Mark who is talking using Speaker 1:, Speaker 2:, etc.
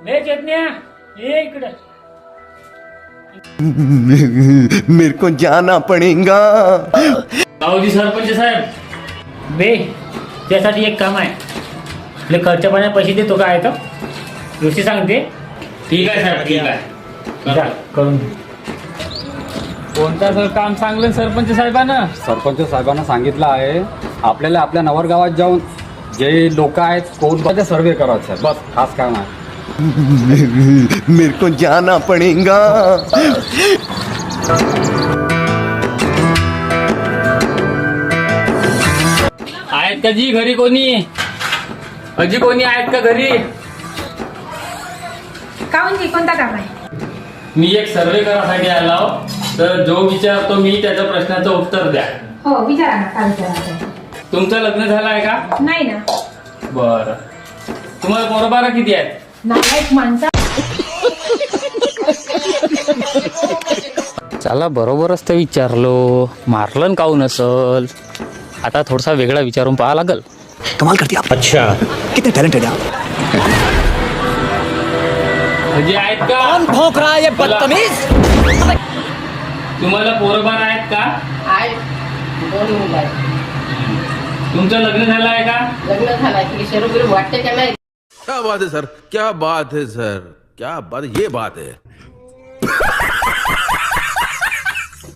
Speaker 1: ले चेतन्या ये इकडे.
Speaker 2: मेरे को जाना पड़ेगा.
Speaker 1: गावजी सरपंच साहेब बे त्यासाठी एक काम आहे. आपले खर्च पाण्या पैसे देतो काय तर गोष्टी सांगते.
Speaker 3: ठीक आहे साहेब, ठीक आहे.
Speaker 1: जा करून दे.
Speaker 3: कोणता सर काम सांगलं सरपंच साहेबांना?
Speaker 4: सरपंच साहेबांना सांगितलं आहे आपल्याला आपल्या नवरगावात जाऊन जे लोक आहेत कोणत्या सर्वे करायचं आहे. बस खास काम आहे.
Speaker 2: मेरे को जाना पड़ेगा.
Speaker 3: आहेत का जी घरी कोणी? अजी कोणी आहेत का घरी?
Speaker 5: काऊन कोणता काम आहे?
Speaker 3: मी एक सर्वे करायसाठी आलो, तर जो विचारतो मी त्याच्या प्रश्नाचं उत्तर द्या.
Speaker 5: हो विचारा ना, काय विचारायचं?
Speaker 3: तुमचं लग्न झालं आहे का?
Speaker 5: नाही ना.
Speaker 3: बरं. तुम्हाला पोरबारा किती आहेत?
Speaker 5: नालायक माणसा.
Speaker 1: चला बरोबरच ते विचारलो. मारलं काऊन असल. आता थोडासा वेगळा विचारून पाहा लागल.
Speaker 2: कमाल करती आप.
Speaker 1: अच्छा
Speaker 2: कितने टैलेंटेड आप.
Speaker 3: अजी आहेत का?
Speaker 2: कौन भौंक रहा है ये बदतमीज.
Speaker 3: तुम्हाला पोरबार आहेत का?
Speaker 6: आहे. दोन मुलं आहेत.
Speaker 3: तुमचं लग्न झालं आहे का?
Speaker 6: लग्न झालं की शरीर वाटते का नाही?
Speaker 7: क्या बात है सर, क्या बात है सर, क्या बात, ये बात है.